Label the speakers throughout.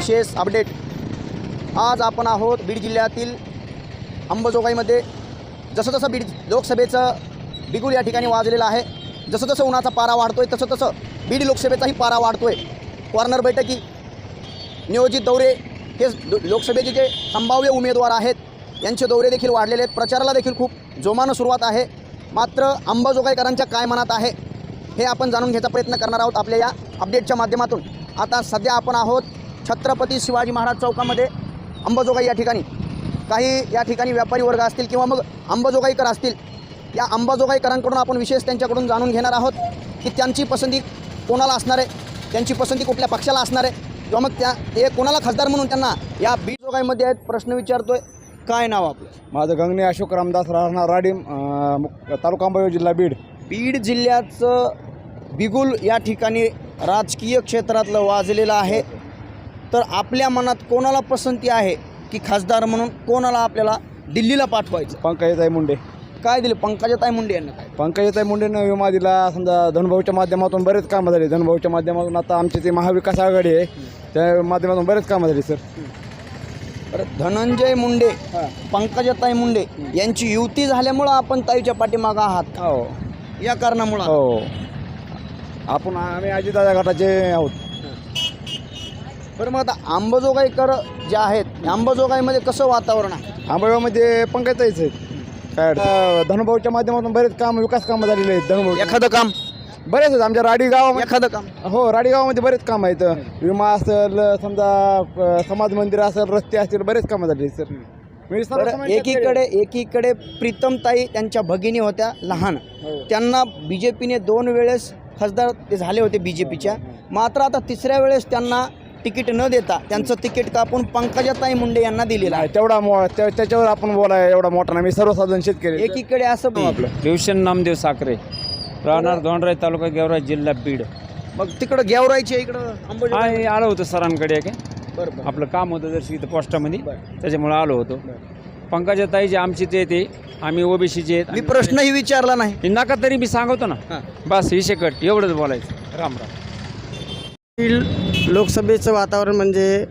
Speaker 1: विशेष अपडेट। आज आपण आहोत बीड जिल्ह्यातील अंबाजोगाईमध्ये। जसं जसं बीड लोकसभेचं बिगुल या ठिकाणी वाजलेलं आहे, जसं जसं उन्हाचा पारा वाढतोय तसं तसं बीड लोकसभेचाही पारा वाढतोय। कॉर्नर बैठकी, नियोजित दौरे, हे लोकसभेचे जे संभाव्य उमेदवार आहेत यांचे दौरे देखील वाढलेले आहेत। प्रचाराला देखील खूप जोमानं सुरुवात आहे। मात्र अंबाजोगाईकरांच्या काय मनात आहे हे आपण जाणून घ्यायचा प्रयत्न करणार आहोत आपल्या या अपडेटच्या माध्यमातून। आता सध्या आपण आहोत छत्रपती शिवाजी महाराज चौकामध्ये अंबाजोगाई या ठिकाणी। काही या ठिकाणी व्यापारी वर्ग असतील किंवा मग अंबाजोगाईकर असतील, या अंबाजोगाईकरांकडून आपण विशेष त्यांच्याकडून जाणून घेणार आहोत की त्यांची पसंती कोणाला असणार आहे, त्यांची पसंती कुठल्या पक्षाला असणार आहे, किंवा मग ते कोणाला खासदार म्हणून त्यांना या बीड जोगाईमध्ये आहेत प्रश्न विचारतोय। काय नाव आपलं?
Speaker 2: माझं गंगणे अशोक रामदास, राहणार राडीम, तालुका अंबाजोगाई, जिल्हा बीड।
Speaker 1: बीड जिल्ह्याचं बिगुल या ठिकाणी राजकीय क्षेत्रातलं वाजलेलं आहे। तर आपल्या मनात कोणाला पसंती आहे की खासदार म्हणून कोणाला आपल्याला दिल्लीला पाठवायचं?
Speaker 2: पंकजाताई मुंडे।
Speaker 1: काय दिलं पंकजाताई मुंडे यांना? काय
Speaker 2: पंकजाताई मुंडेनं विमा दिला, समजा धनुभाऊच्या माध्यमातून बरेच कामं झाले। धनुभाऊच्या माध्यमातून आता आमची ती महाविकास आघाडी आहे, त्या माध्यमातून बरेच कामं झाली सर।
Speaker 1: बरं, धनंजय मुंडे, पंकजाताई मुंडे यांची युती झाल्यामुळं आपण ताईच्या पाठीमागं आहात का?
Speaker 2: हो,
Speaker 1: या कारणामुळं?
Speaker 2: हो, आम्ही अजितदादा गटाचे आहोत।
Speaker 1: बरं, मग आता अंबाजोगाईकर जे आहेत, अंबाजोगाईमध्ये कसं वातावरण आहे?
Speaker 2: अंबाजोगाईमध्ये पंकजाताईच आहेत। काय धनुभाऊच्या माध्यमातून बरेच काम, विकास कामं झालेले आहेत। धनुभाऊ
Speaker 1: एखादं काम
Speaker 2: बरेच आहेत आमच्या राडी गावामध्ये।
Speaker 1: एखादं काम?
Speaker 2: हो, राडी गावामध्ये बरेच काम आहेत। विमा असेल, समजा समाज मंदिर असेल, रस्ते असतील, बरेच कामं झाली सर।
Speaker 1: एकीकडे प्रीतमताई त्यांच्या भगिनी होत्या लहान, त्यांना बीजेपीने 2 वेळेस खासदार ते झाले होते बीजेपीच्या। मात्र आता तिसऱ्या वेळेस त्यांना तिकीट न देता त्यांचं तिकीट कापून पंकजाताई मुंडे यांना दिलेलं आहे।
Speaker 2: त्याच्यावर आपण बोलाय एवढा मोठा नाही, मी सर्वसाधारण शेतकरी।
Speaker 1: एकीकडे असं
Speaker 2: आपलं
Speaker 3: भीवशन नामदेव साखरे, राहणार दोंडराई, तालुका गेवराई, जिल्हा बीड।
Speaker 1: मग तिकडं गेवराईचे इकडं अंबाजोगाई
Speaker 3: आलो होतो सरांकडे काय
Speaker 1: बरोबर
Speaker 3: आपलं काम होतं जर इथं पोस्टामध्ये, त्याच्यामुळे आलो होतो। पंकजाताई जे आमचे ते आम्ही ओबीसीचे आहेत।
Speaker 1: मी प्रश्नही विचारला नाही,
Speaker 3: हे नका तरी मी सांगतो ना, बस विषय कट, एवढंच बोलायचं। राम राम।
Speaker 4: लोकसभेचं वातावरण म्हणजे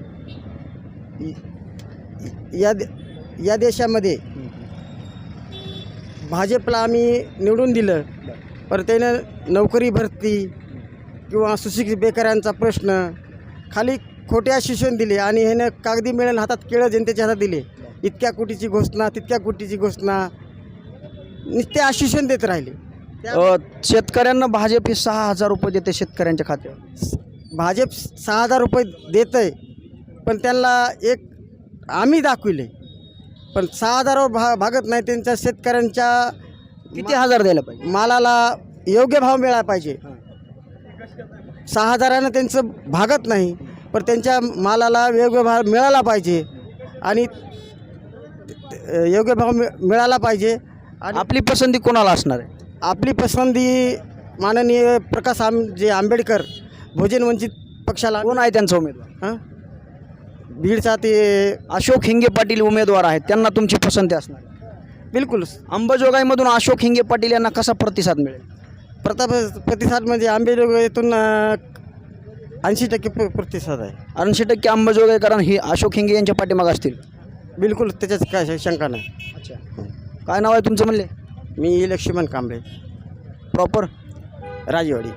Speaker 4: या देशामध्ये भाजपला आम्ही निवडून दिलं, पण त्यानं नोकरी भरती किंवा सुशिक्षित बेकारांचा प्रश्न खाली खोटे आश्वासन दिले आणि ह्यानं कागदी मिळेल हातात केळं जनतेच्या हातात दिले। इतक्या कोटीची घोषणा, तितक्या कोटीची घोषणा, नुसते आश्वासन देत राहिले।
Speaker 1: शेतकऱ्यांना भाजप 6,000 रुपये देते शेतकऱ्यांच्या खात्यावर।
Speaker 4: भाजप 6,000 रुपये देत आहे, पण त्यांना एक आम्ही दाखविले, पण 6,000वर भागत नाही। त्यांच्या शेतकऱ्यांच्या
Speaker 1: किती हजार द्यायला पाहिजे?
Speaker 4: मालाला योग्य भाव मिळाला पाहिजे। 6,000नं त्यांचं भागत नाही, पण त्यांच्या मालाला योग्य भाव मिळाला पाहिजे आणि योग्य भाव मिळाला पाहिजे। आणि
Speaker 1: आपली पसंती कोणाला असणार आहे?
Speaker 4: आपली पसंती माननीय प्रकाश आंबेडकर, बहुजन वंचित पक्षाला।
Speaker 1: कोण आहे त्यांचा उमेदवार?
Speaker 4: बीडचा ते
Speaker 1: अशोक हिंगे पाटील उमेदवार आहेत, त्यांना तुमची पसंती असणार?
Speaker 4: बिलकुल।
Speaker 1: अंबाजोगाईमधून अशोक हिंगे पाटील यांना कसा प्रतिसाद मिळेल?
Speaker 4: प्रतिसाद म्हणजे आंबेजोगाईतून 80% प्रतिसाद आहे।
Speaker 1: 80% अंबाजोगाईकरांना ही अशोक हिंगे यांच्या पाठीमागे असतील?
Speaker 4: बिलकुल, त्याच्यात काय शंका नाही।
Speaker 1: अच्छा, काय नाव आहे तुमचं म्हणले?
Speaker 4: मी लक्ष्मण कांबळे,
Speaker 1: प्रॉपर
Speaker 4: राजेवाडी।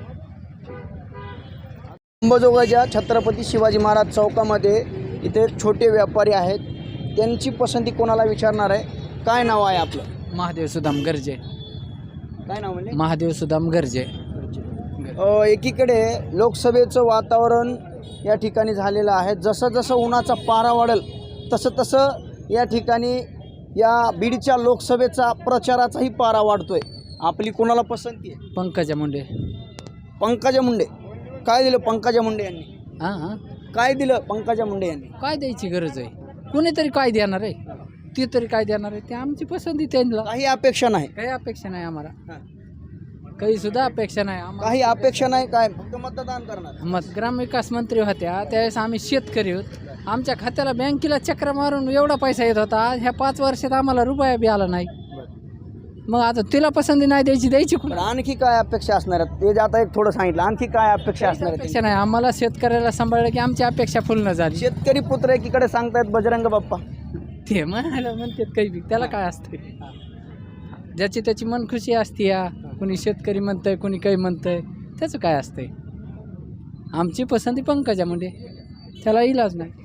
Speaker 1: अंबाजोगाईच्या छत्रपती शिवाजी महाराज चौकामध्ये इथे छोटे व्यापारी आहेत, त्यांची पसंती कोणाला विचारणार आहे? काय नाव आहे आपलं?
Speaker 5: महादेव सुदाम गरजे।
Speaker 1: काय नाव म्हणले?
Speaker 5: महादेव सुदाम गरजे।
Speaker 1: एकीकडे लोकसभेचं वातावरण या ठिकाणी झालेलं आहे। जसं जसं उन्हाचा पारा वाढेल तसं तसं या ठिकाणी या बीडच्या लोकसभेचा प्रचाराचाही पारा वाढतोय। आपली कोणाला पसंती आहे?
Speaker 5: पंकजा मुंडे।
Speaker 1: पंकजा मुंडे। काय दिलं पंकजा मुंडे यांनी?
Speaker 5: हां,
Speaker 1: काय दिलं पंकजा मुंडे यांनी?
Speaker 5: काय द्यायची गरज आहे? कोणीतरी काय देणार आहे? ती तरी काय देणार आहे? ते आमची पसंती त्यांना।
Speaker 1: काही अपेक्षा नाही?
Speaker 5: काही अपेक्षा नाही आम्हाला, काही सुद्धा अपेक्षा नाही आम्हाला।
Speaker 1: काही अपेक्षा नाही, काय फक्त मतदान करणार?
Speaker 5: ग्रामविकास मंत्री होत्या त्यावेळेस आम्ही शेतकरी होत, आमच्या खात्याला बँकेला चक्र मारून एवढा पैसा येत होता। ह्या 5 वर्षात आम्हाला रुपया बी आला नाही। मग आता तिला पसंती नाही द्यायची
Speaker 1: पण आणखी काय अपेक्षा असणार आहेत ते जे आता एक थोडं सांगितलं, आणखी काय अपेक्षा असणार आहेत?
Speaker 5: अपेक्षा नाही आम्हाला, शेतकऱ्याला सांभाळलं की आमची अपेक्षा पूर्ण झाली.
Speaker 1: शेतकरी पुत्र एकीकडे सांगतायत बजरंग बाप्पा,
Speaker 5: ते म्हणायला म्हणतात काही बी, त्याला काय असते, ज्याची त्याची मन खुशी असते. या कोणी शेतकरी म्हणतंय, कोणी काही म्हणतंय, त्याचं काय असतंय. आमची पसंती पंकजा मुंडे, त्याला इलाज नाही.